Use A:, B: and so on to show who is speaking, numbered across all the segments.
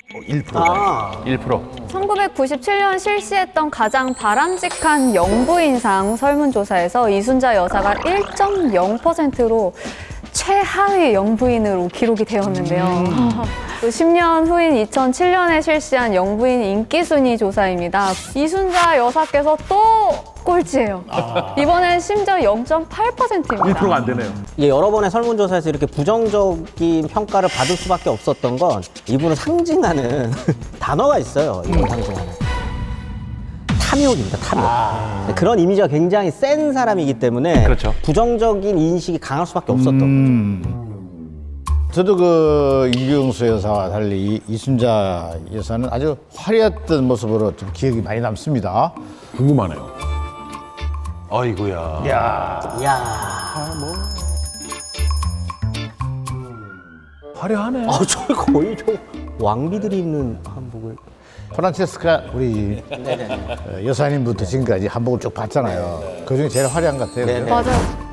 A: 1%.
B: 1%.
C: 1997년 실시했던 가장 바람직한 영부인상 설문조사에서 이순자 여사가 1.0%로 최하위 영부인으로 기록이 되었는데요. 또 10년 후인 2007년에 실시한 영부인 인기순위 조사입니다. 이순자 여사께서 또 꼴찌예요. 이번엔 심지어 0.8%입니다.
A: 1%가 안 되네요.
D: 이게 여러 번의 설문조사에서 이렇게 부정적인 평가를 받을 수밖에 없었던 건 이분을 상징하는 단어가 있어요. 이분 상징하는. 탐욕입니다, 탐욕. 그런 이미지가 굉장히 센 사람이기 때문에
A: 그렇죠.
D: 부정적인 인식이 강할 수밖에 없었던 거죠.
E: 저도 그 이경수 여사와 달리 이순자 여사는 아주 화려했던 모습으로 좀 기억이 많이 남습니다.
A: 궁금하네요. 아이고야.
D: 이야.
A: 화려하네.
D: 저 거의 왕비들이 입는 한복을.
E: 프란체스카 우리 여사님부터 지금까지 한복을 쭉 봤잖아요. 그중에 제일 화려한 것 같아요. 그죠?
C: 맞아요.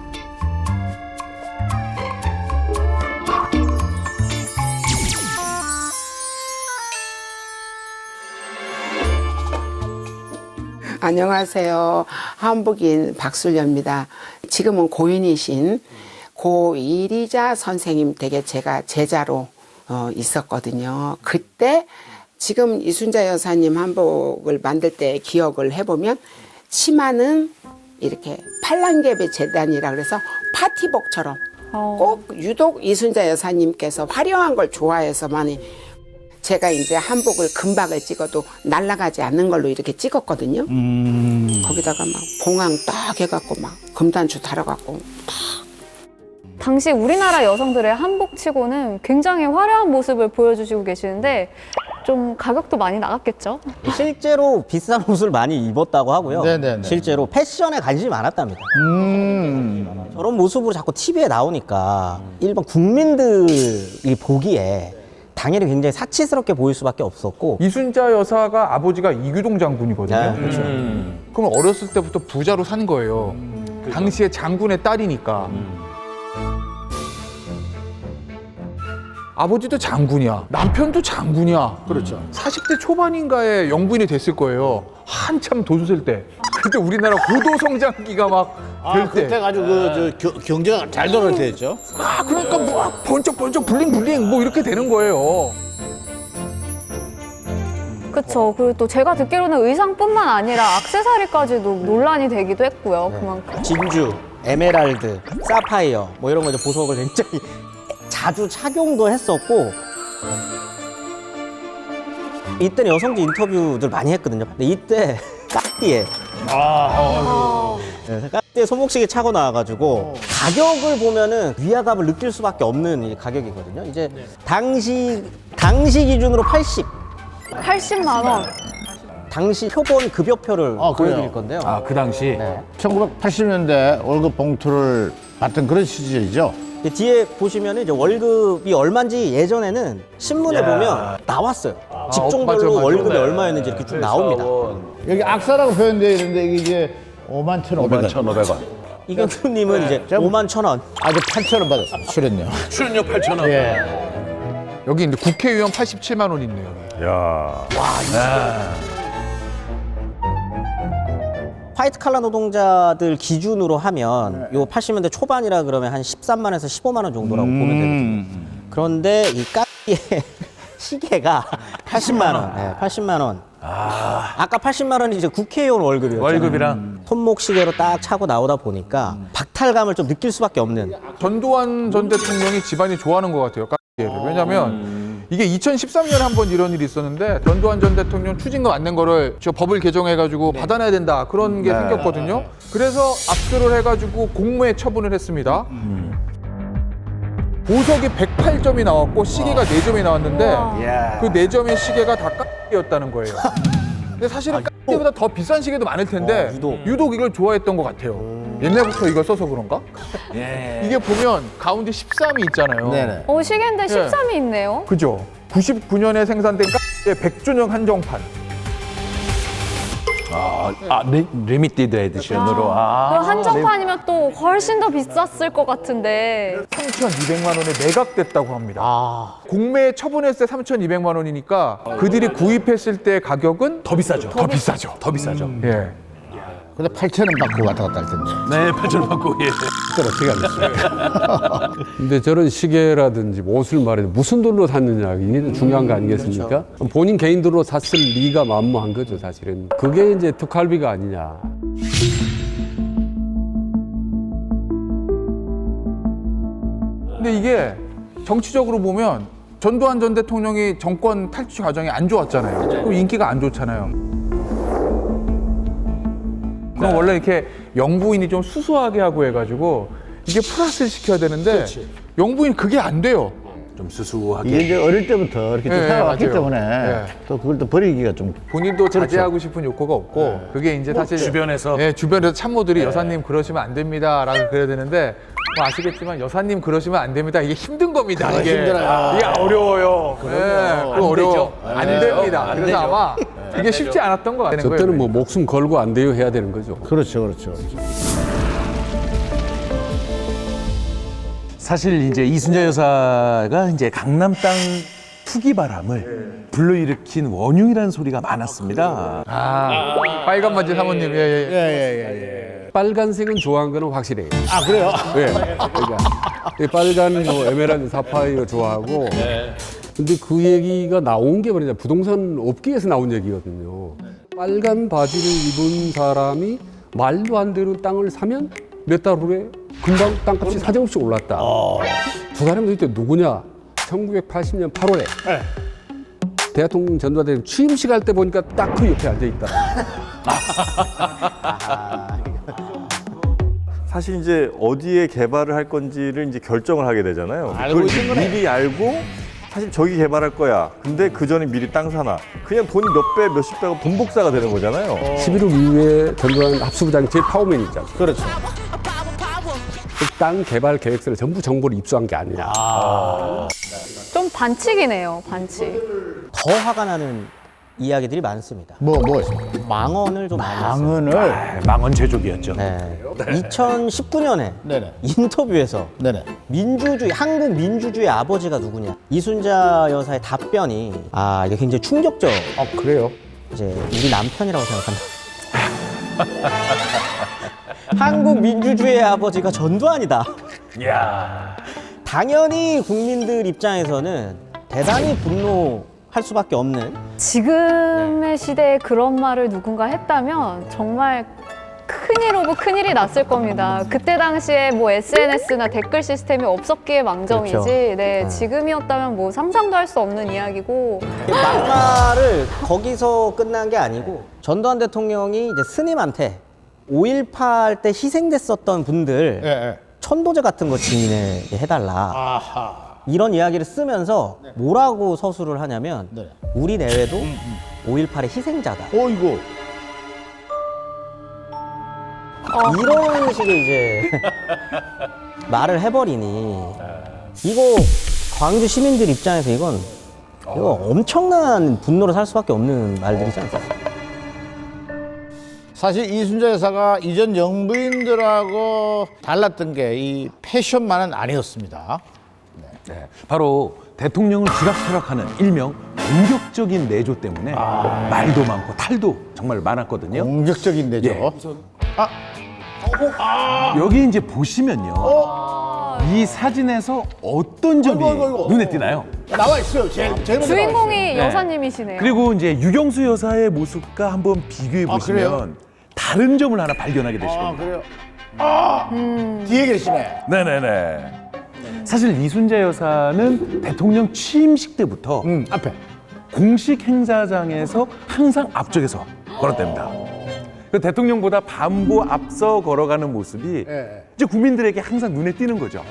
F: 안녕하세요. 한복인 박술녀입니다. 지금은 고인이신 고 이리자 선생님 댁에 제가 제자로 있었거든요. 그때 지금 이순자 여사님 한복을 만들 때 기억을 해보면 치마는 이렇게 팔랑개비 재단이라 그래서 파티복처럼 꼭 유독 이순자 여사님께서 화려한 걸 좋아해서 많이 제가 이제 한복을 금박을 찍어도 날아가지 않는 걸로 이렇게 찍었거든요. 거기다가 막 봉황 딱 해갖고 막 금단추 달아갖고
C: 당시 우리나라 여성들의 한복치고는 굉장히 화려한 모습을 보여주시고 계시는데 좀 가격도 많이 나갔겠죠?
D: 실제로 비싼 옷을 많이 입었다고 하고요.
E: 네네네.
D: 실제로 패션에 관심이 많았답니다. 저런 모습으로 자꾸 TV에 나오니까 일반 국민들이 보기에 당연히 굉장히 사치스럽게 보일 수밖에 없었고
B: 이순자 여사가 아버지가 이규동 장군이거든요.
D: 네, 그렇죠.
B: 그럼 어렸을 때부터 부자로 산 거예요. 당시에 장군의 딸이니까. 아버지도 장군이야. 남편도 장군이야.
E: 그렇죠.
B: 40대 초반인가에 영부인이 됐을 거예요. 한참 돈 쓸 때. 그때 우리나라 고도 성장기가 막 될 때.
E: 그때 아주 경제가 잘 돌아올 때였죠.
B: 그러니까 뭐 번쩍번쩍 블링블링 뭐 이렇게 되는 거예요.
C: 그쵸. 그리고 또 제가 듣기로는 의상뿐만 아니라 액세서리까지도 논란이 되기도 했고요. 그만큼.
D: 진주, 에메랄드, 사파이어 뭐 이런 거 이제 보석을 굉장히 자주 착용도 했었고 이때는 여성지 인터뷰들 많이 했거든요. 근데 이때 까띠에 까띠에 손목시계 차고 나와가지고 가격을 보면은 위화감을 느낄 수밖에 없는 이 가격이거든요. 이제 당시 기준으로
C: 80만 원.
D: 당시 표본 급여표를
E: 그래요?
D: 보여드릴 건데요.
B: 그 당시.
E: 1980년대 월급 봉투를 받던 그런 시절이죠.
D: 뒤에 보시면 이제 월급이 얼마인지 예전에는 신문에 보면 나왔어요. 직종별로
B: 맞아.
D: 월급이
B: 네.
D: 얼마였는지 이렇게 쭉 나옵니다.
E: 여기 악사라고 표현되어 있는데 이게 이제 51,500원.
A: 5,500원.
D: 이경수님은 이제 51,000원.
E: 아주 8,000원 받았어요. 출연료.
A: 출연료 8,000원.
E: 예.
B: 여기 이제 국회의원 87만 원 있네요.
A: 야.
D: 화이트 칼라 노동자들 기준으로 하면 요 80년대 초반이라 그러면 한 13만에서 15만 원 정도라고 보면 되거든요. 그런데 이 까띠의 시계가 80만 원. 네, 80만 원. 아까 80만 원이 이제 국회의원 월급이었죠.
B: 월급이랑.
D: 손목 시계로 딱 차고 나오다 보니까 박탈감을 좀 느낄 수밖에 없는.
B: 전두환 전 대통령이 집안이 좋아하는 것 같아요. 까띠를. 왜냐면 이게 2013년에 한 번 이런 일이 있었는데 전두환 전 대통령 추징금 안 낸 거를 저 법을 개정해가지고 받아내야 된다 그런 게 생겼거든요. 그래서 압수를 해가지고 공무에 처분을 했습니다. 보석이 108점이 나왔고 시계가 4점이 나왔는데 그 4점의 시계가 다 까띠였다는 거예요. 근데 사실은 까띠보다 더 비싼 시계도 많을 텐데 유독 이걸 좋아했던 것 같아요. 옛날부터 이걸 써서 그런가? 이게 보면 가운데 13이 있잖아요.
E: 네네.
C: 시계인데 13이 있네요.
B: 그죠? 99년에 생산된 까띠의 100주년 한정판.
A: 리미티드 에디션으로.
C: 그 한정판이면 또 훨씬 더 비쌌을 것 같은데
B: 3,200만 원에 매각됐다고 합니다. 공매에 처분했을 때 3,200만 원이니까 그들이 구입했을 때 가격은
A: 더 비싸죠. 더 비싸죠. 더 비싸죠.
B: 예.
E: 근데 8,000원 받고 왔다 갔다 할 텐데.
A: 네, 8,000원 받고 예.
G: 그걸 어떻게 하겠어요? 근데 저런 시계라든지 뭐 옷을 말해도 무슨 돈으로 샀느냐 이게 중요한 거 아니겠습니까? 본인 개인 돈으로 샀을 리가 만무한 거죠 사실은. 그게 이제 특활비가 아니냐.
B: 근데 이게 정치적으로 보면 전두환 전 대통령이 정권 탈취 과정이 안 좋았잖아요. 그럼 인기가 안 좋잖아요. 그럼 원래 이렇게 영부인이 좀 수수하게 하고 해가지고 이게 플러스를 시켜야 되는데 영부인 그게 안 돼요.
A: 좀 수수하게.
E: 이게 이제 어릴 때부터 이렇게 좀
B: 예,
E: 살아왔기
B: 맞아요.
E: 때문에
B: 예.
E: 또 그걸 또 버리기가 좀
B: 본인도 자제하고 싶은 욕구가 없고 그게 이제 사실
A: 주변에서?
B: 예, 주변에서 참모들이 여사님 그러시면 안 됩니다라고 그래야 되는데 뭐 아시겠지만 여사님 그러시면 안 됩니다. 이게 힘든 겁니다. 이게
E: 힘들어요.
B: 이게 어려워요. 예, 그거 어려워. 안 됩니다.
A: 안
B: 그래서
A: 되죠.
B: 아마 이게 쉽지 않았던 것 같아요.
G: 저 때는 뭐 목숨 걸고 안 돼요 해야 되는 거죠.
E: 그렇죠.
A: 사실 이제 이순자 여사가 이제 강남 땅 투기 바람을 불러일으킨 원흉이라는 소리가 많았습니다.
B: 아, 빨간 바지 사모님. 예.
G: 빨간색은 좋아한 거는 확실해요.
E: 아 그래요?
G: 네. 그러니까 이 빨간 뭐 에메랄드 사파이어 좋아하고. 근데 그 얘기가 나온 게 뭐냐 부동산 업계에서 나온 얘기거든요. 빨간 바지를 입은 사람이 말도 안 되는 땅을 사면 몇 달 후에 금방 땅값이 사정없이 올랐다. 두 사람이 도대체 누구냐? 1980년 8월에 대통령 전두환 취임식 할 때 보니까 딱 그 옆에 앉아 있다.
H: 사실 이제 어디에 개발을 할 건지를 이제 결정을 하게 되잖아요.
E: 알고
H: 그걸
E: 있는 거네.
H: 미리 알고 사실 저기 개발할 거야. 근데 그 전에 미리 땅 사나. 그냥 돈이 몇 배, 몇십 배가 분복사가 되는 거잖아요.
G: 11월 이후에 전두환 합수부장이 제일 파워맨 있잖아요.
E: 그렇죠.
G: 그 땅 개발 계획서를 전부 정보를 입수한 게 아니냐.
C: 좀 반칙이네요, 반칙.
D: 더 화가 나는 이야기들이 많습니다.
E: 뭐 있습니까?
D: 망언을 좀 많이 했어요.
E: 망언을.
A: 망언 제조기였죠.
D: 네. 2019년에
E: 네네.
D: 인터뷰에서
E: 네네.
D: 한국 민주주의 아버지가 누구냐 이순자 여사의 답변이 이게 굉장히 충격적.
E: 그래요?
D: 이제 우리 남편이라고 생각한다. 한국 민주주의의 아버지가 전두환이다.
A: 이야.
D: 당연히 국민들 입장에서는 대단히 분노할 수밖에 없는.
C: 지금의 시대에 그런 말을 누군가 했다면 정말 큰일 오고 큰일이 났을 겁니다. 그때 당시에 뭐 SNS나 댓글 시스템이 없었기에 망정이지.
D: 그렇죠.
C: 네, 지금이었다면 뭐 상상도 할 수 없는 이야기고.
D: 막말을 거기서 끝난 게 아니고 전두환 대통령이 이제 스님한테 5.18 때 희생됐었던 분들
E: 예.
D: 천도제 같은 거 증인해 해달라. 이런 이야기를 쓰면서 뭐라고 서술을 하냐면
E: 네.
D: 우리 내외도 5.18의 희생자다.
E: 이거.
D: 이런 식의 이제 말을 해버리니 이거 광주 시민들 입장에서 이거 엄청난 분노를 살 수밖에 없는 말들이지 않습니까?
E: 사실 이순자 여사가 이전 영부인들하고 달랐던 게 이 패션만은 아니었습니다.
A: 네, 바로 대통령을 쥐락펴락하는 일명 공격적인 내조 때문에 말도 많고 탈도 정말 많았거든요.
E: 공격적인 내죠.
A: 예. 여기 이제 보시면요. 이 사진에서 어떤 점이
E: 아이고.
A: 눈에 띄나요?
E: 나와 있어요. 제일 먼저 나와
C: 주인공이 여사님이시네요.
A: 그리고 이제 유경수 여사의 모습과 한번 비교해
E: 그래요?
A: 보시면 다른 점을 하나 발견하게 되실
E: 있어요.
A: 겁니다.
E: 그래요? 뒤에 계시네.
A: 네네네. 사실 이순자 여사는 대통령 취임식 때부터
E: 앞에.
A: 공식 행사장에서 항상 앞쪽에서 걸었답니다. 그 대통령보다 반보 앞서 걸어가는 모습이
E: 예.
A: 이제 국민들에게 항상 눈에 띄는 거죠.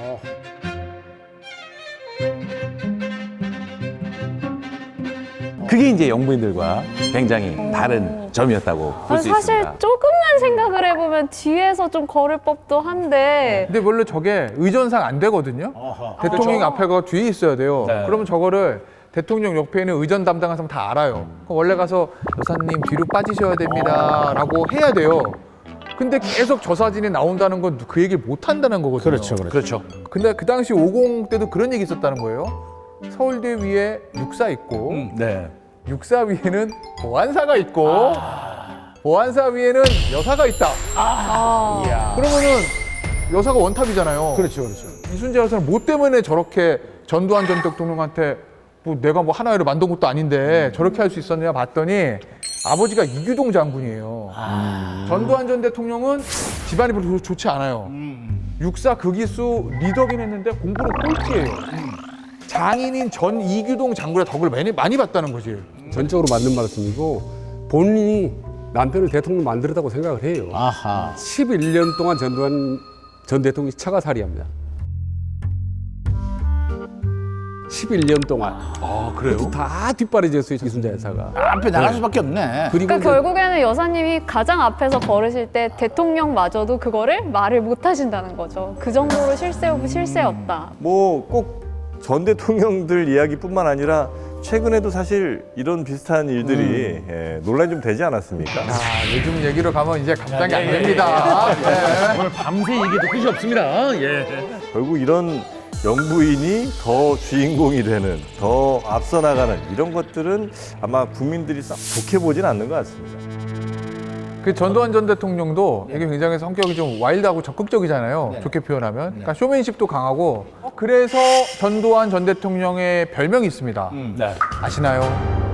A: 그게 이제 영부인들과 굉장히 다른 점이었다고 볼 수
C: 사실
A: 있습니다.
C: 조금만 생각을 해보면 뒤에서 좀 걸을 법도 한데
B: 근데 원래 저게 의전상 안 되거든요. 대통령 앞에가 뒤에 있어야 돼요.
A: 네.
B: 그러면 저거를 대통령 옆에 있는 의전 담당한 사람 다 알아요. 그럼 원래 가서 여사님 뒤로 빠지셔야 됩니다라고 해야 돼요. 근데 계속 저 사진이 나온다는 건 그 얘기를 못 한다는 거거든요.
E: 그렇죠.
B: 근데 그 당시 50 때도 그런 얘기 있었다는 거예요. 서울대 위에 육사 있고
A: 네.
B: 육사 위에는 보안사가 있고 보안사 위에는 여사가 있다. 그러면은 여사가 원탑이잖아요.
E: 그렇죠.
B: 이순재 여사는 뭐 때문에 저렇게 전두환 전 대통령한테 뭐 내가 뭐 하나를 만든 것도 아닌데 저렇게 할 수 있었냐 봤더니 아버지가 이규동 장군이에요. 전두환 전 대통령은 집안이 별로 좋지 않아요. 육사 극이수 리더긴 했는데 공부는 꼴찌예요. 장인인 전 이규동 장군의 덕을 많이 봤다는 거지.
G: 전적으로 맞는 말씀이고 본인이 남편을 대통령 만들었다고 생각을 해요.
E: 아하.
G: 11년 동안 전두환 전 대통령이 처가살이합니다. 11년 동안.
A: 아, 그래요?
G: 다 뒷바라지였어요, 이순자 여사가.
E: 앞에 나갈 수밖에 없네.
G: 그리고
C: 그러니까
G: 이제
C: 결국에는 여사님이 가장 앞에서 걸으실 때 대통령마저도 그거를 말을 못 하신다는 거죠. 그 정도로 실세 오브 실세였다.
H: 뭐 꼭 전 대통령들 이야기뿐만 아니라 최근에도 사실 이런 비슷한 일들이 논란이 좀 되지 않았습니까?
B: 요즘 얘기로 가면 이제 감당이 안 됩니다. 네.
A: 오늘 밤새 얘기도 끝이 없습니다. 예.
H: 결국 이런 영부인이 더 주인공이 되는, 더 앞서 나가는 이런 것들은 아마 국민들이 썩 좋게 보진 않는 것 같습니다.
B: 그 전두환 전 대통령도 이게 굉장히 성격이 좀 와일드하고 적극적이잖아요. 좋게 표현하면. 그러니까 쇼맨십도 강하고. 그래서 전두환 전 대통령의 별명이 있습니다. 아시나요?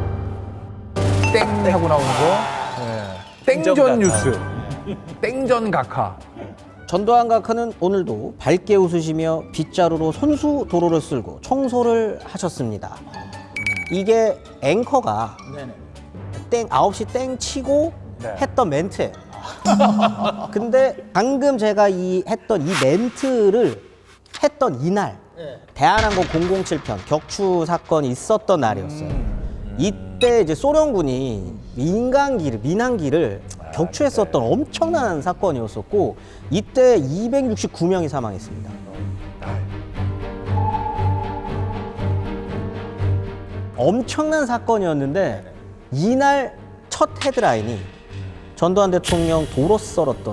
B: 땡 하고 나오는 거. 네. 땡전 뉴스. 땡전 각하.
D: 전두환 각하는 오늘도 밝게 웃으시며 빗자루로 손수 도로를 쓸고 청소를 하셨습니다. 이게 앵커가 땡 9시 땡 치고 했던 멘트예요. 근데 방금 제가 했던 이 멘트를 했던 이날 대한항공 007편 격추 사건이 있었던 날이었어요. 이때 이제 소련군이 민항기를 격추했었던 엄청난 사건이었었고 이때 269명이 사망했습니다. 엄청난 사건이었는데 이날 첫 헤드라인이 전두환 대통령 도로 쓸었던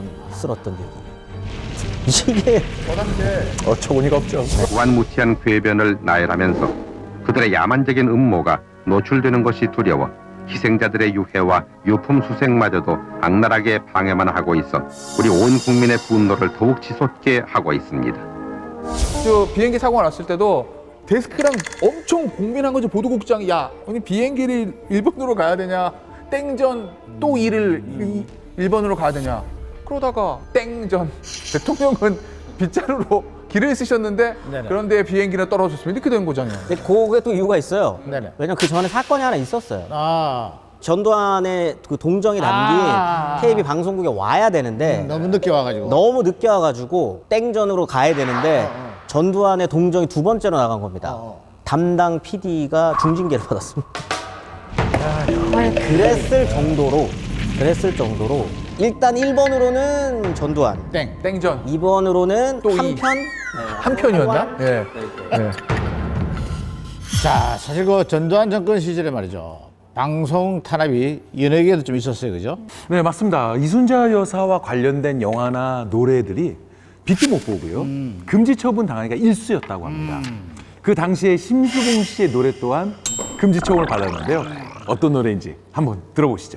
D: 얘기. 이게
A: 어처구니가 없죠.
I: 무한무치한 궤변을 나열하면서 그들의 야만적인 음모가 노출되는 것이 두려워 희생자들의 유해와 유품 수색마저도 악랄하게 방해만 하고 있어 우리 온 국민의 분노를 더욱 치솟게 하고 있습니다.
B: 저 비행기 사고가 났을 때도 데스크랑 엄청 고민한 거죠. 보도국장이 야, 아니 비행기를 일본으로 가야 되냐? 땡전 또 일본으로 가야 되냐? 그러다가 땡전 대통령은 빗자루로 길을 쓰셨는데 그런데 비행기는 떨어졌으면 이렇게 된 거잖아요.
D: 근데 그게 또 이유가 있어요.
E: 네네.
D: 왜냐면 그 전에 사건이 하나 있었어요.
E: 아,
D: 전두환의 그 동정이 담긴 테이프 방송국에 와야 되는데
E: 너무 늦게 와가지고.
D: 너무 늦게 와가지고 땡전으로 가야 되는데 전두환의 동정이 두 번째로 나간 겁니다. 담당 PD가 중징계를 받았습니다. 그랬을 정도로 일단 1번으로는 전두환,
B: 땡전
D: 2번으로는
B: 또
D: 한편
B: 한 편이었나? 예.
E: 자, 사실 그 전두환 정권 시절에 말이죠. 방송 탄압이 연예계에도 좀 있었어요, 그죠?
A: 네, 맞습니다. 이순자 여사와 관련된 영화나 노래들이 빛도 못 보고요. 금지 처분 당하기가 일쑤였다고 합니다. 그 당시에 심수봉 씨의 노래 또한 금지 처분을 받았는데요. 어떤 노래인지 한번 들어보시죠.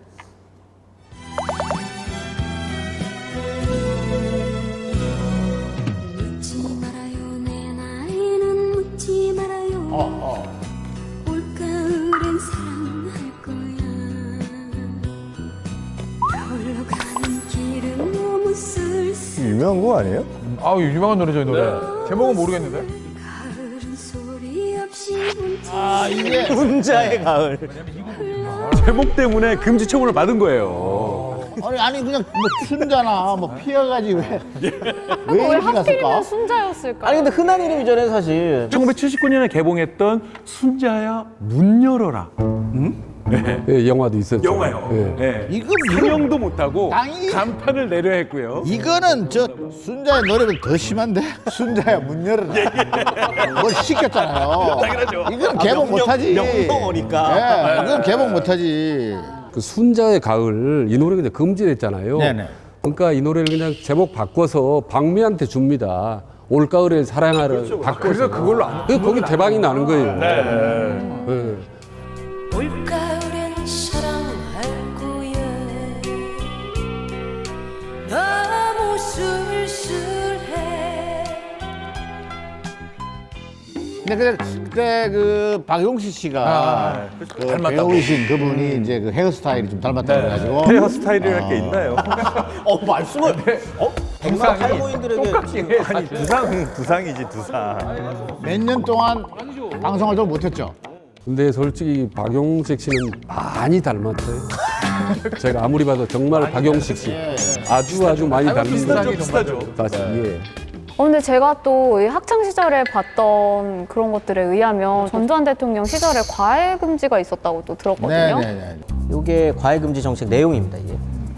J: 묻지 말아요 내 나이는 묻지 말아요 올가을엔 사랑할 거야 홀로 가는 길은 너무 쓸쓸
H: 유명한 거 아니에요?
B: 아, 유명한 노래죠, 이 노래. 제목은 모르겠는데.
J: 가을은 소리 없이 운치
E: 이게
D: 혼자의 가을.
A: 제목 때문에 금지 처분을 받은 거예요.
E: 아니 그냥 뭐 춘자나 뭐 피해가지 왜
C: 왜
E: 이렇게
C: 하필이면
E: 났을까?
C: 순자였을까?
D: 아니 근데 흔한 이름이잖아요 사실.
A: 1979년에 개봉했던 순자야 문 열어라.
G: 예, 영화도 있었죠.
A: 영화요.
G: 예.
A: 네.
E: 이거
A: 상영도 못하고
E: 땅이-
A: 간판을 내려 했고요.
E: 이거는 저 순자의 노래보다 더 심한데? 순자야 문 열어라. 뭘 시켰잖아요. 이건 개봉 못하지.
D: 명령어니까.
E: 예, 이건 개봉 못하지.
G: 그 순자의 가을 이 노래 그냥 금지됐잖아요.
E: 네네.
G: 그러니까 이 노래를 그냥 제목 바꿔서 박미한테 줍니다. 올가을에 사랑하를 바꿔서.
B: 그래서 그걸로 안
G: 거기 대박이 나는 거예요. 네.
J: 올가을엔 사랑할 거야 너무 쓸쓸해
E: 근데 그때 그 박용식 씨가 그 배우이신 그분이 이제 그 헤어스타일이 좀 닮았다고 그래가지고
H: 헤어스타일이랄 게 있나요?
D: 말씀을 백마 탈모인들에게
H: 아니 두상이지 두상.
E: 몇 년 동안 방송을 좀 못했죠.
G: 근데 솔직히 박용식 씨는 많이 닮았어요. 제가 아무리 봐도 정말 박용식 씨 아주 많이 닮습니다.
B: 비슷하죠.
G: 예.
C: 근데 제가 또 이 학창 시절에 봤던 그런 것들에 의하면 전두환 대통령 시절에 과외 금지가 있었다고 또 들었거든요.
E: 네네네.
D: 이게 과외 금지 정책 내용입니다. 이게.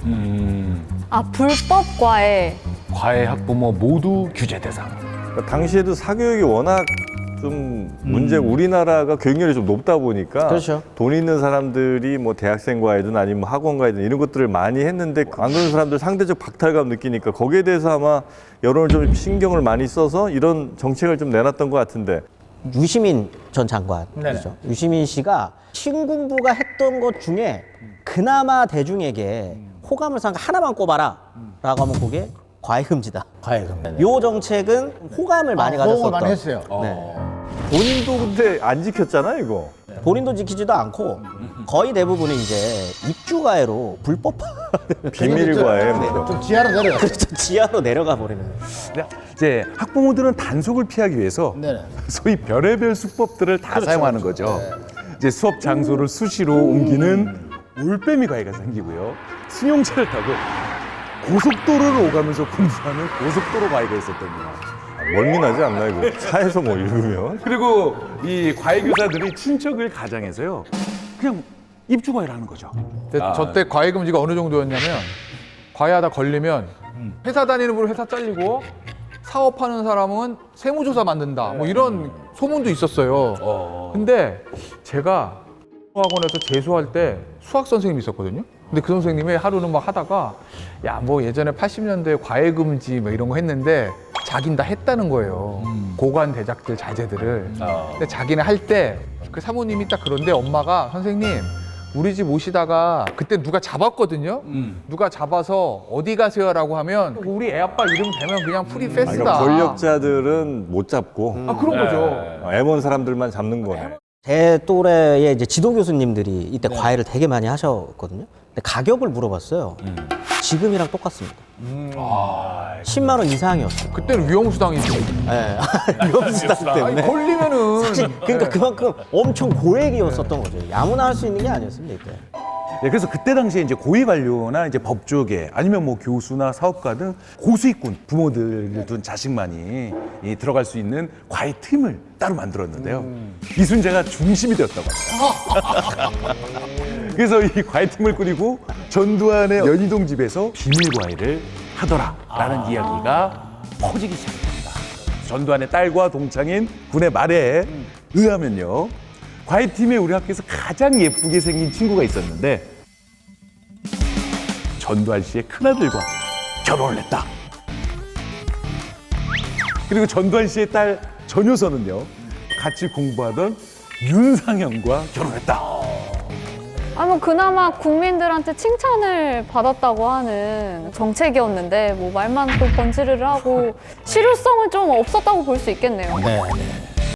C: 아, 불법 과외.
A: 과외 학부모 모두 규제 대상.
H: 그러니까 당시에도 사교육이 워낙 좀 우리나라가 교육열이 좀 높다 보니까
D: 그렇죠.
H: 돈 있는 사람들이 뭐 대학생과이든 아니면 뭐 학원과이든 이런 것들을 많이 했는데 안 그런 사람들 상대적 박탈감 느끼니까 거기에 대해서 아마 여론을 좀 신경을 많이 써서 이런 정책을 좀 내놨던 것 같은데.
D: 유시민 전 장관이죠. 유시민 씨가 신군부가 했던 것 중에 그나마 대중에게 호감을 산 거 하나만 꼽아라 라고 하면 그게 과외금지다.
E: 과외금.
D: 요 정책은 호감을 많이 가졌었던.
E: 호응을 많이 했어요.
D: 네.
H: 본인도 근데 안 지켰잖아 이거.
D: 본인도 지키지도 않고 거의 대부분이 이제 입주가해로 불법
H: 비밀과에 뭐.
E: 좀 지하로 내려가.
D: 그렇죠. 지하로 내려가 버리는.
A: 이제 학부모들은 단속을 피하기 위해서
E: 네네.
A: 소위 별의별 수법들을 다 사용하는 거죠. 이제 수업 장소를 수시로 옮기는 올빼미 과외가 생기고요. 승용차를 타고 고속도로를 오가면서 공부하는 고속도로 과외가 있었답니다.
H: 멀미나지 않나 이거 차에서 뭐 읽으면.
A: 그리고 이 과외 교사들이 친척을 가장해서요. 그냥 입주 과외를 하는 거죠.
B: 저때 과외 금지가 어느 정도였냐면 과외하다 걸리면 회사 다니는 분은 회사 잘리고 사업하는 사람은 세무조사 만든다 뭐 이런 소문도 있었어요. 근데 제가 학원에서 재수할 때 수학 선생님이 있었거든요. 근데 그 선생님이 하루는 막 하다가 야 뭐 예전에 80년대에 과외 금지 뭐 이런 거 했는데 자긴 다 했다는 거예요. 고관 대작들 자제들을. 근데 자기는 할 때 그 사모님이 딱 그런데 엄마가 선생님 우리 집 오시다가 그때 누가 잡았거든요. 누가 잡아서 어디 가세요라고 하면 우리 애 아빠 이름 대면 그냥 프리 패스다.
H: 그러니까 권력자들은 못 잡고
B: 아 그런 거죠.
H: 애먼 사람들만 잡는 거네.
D: 제 또래의 이제 지도 교수님들이 이때 과외를 되게 많이 하셨거든요. 근데 가격을 물어봤어요. 지금이랑 똑같습니다. 10만 원 이상이었어요.
B: 그때는 위험수당이지.
D: 네. 위험수당 때문에.
B: 아니, 걸리면은
D: 사실 그러니까 그만큼 엄청 고액이었었던 거죠. 아무나 할 수 있는 게 아니었습니다 이때.
A: 네, 그래서 그때 당시에 이제 고위 관료나 이제 법조계 아니면 뭐 교수나 사업가 등 고수익군 부모들을 둔 자식만이 이 들어갈 수 있는 과외 팀을 따로 만들었는데요. 이순재가 중심이 되었다고 합니다. 그래서 이 과외 팀을 꾸리고 전두환의 연희동 집에서 비밀 과외를 하더라라는 이야기가 퍼지기 시작합니다. 전두환의 딸과 동창인 군의 말에 의하면요. 과외팀에 우리 학교에서 가장 예쁘게 생긴 친구가 있었는데 전두환 씨의 큰아들과 결혼을 했다. 그리고 전두환 씨의 딸 전효선은요. 같이 공부하던 윤상현과 결혼했다.
C: 아, 뭐 그나마 국민들한테 칭찬을 받았다고 하는 정책이었는데 뭐 말만 또 번지르르 하고 실효성은 좀 없었다고 볼 수 있겠네요.
E: 네.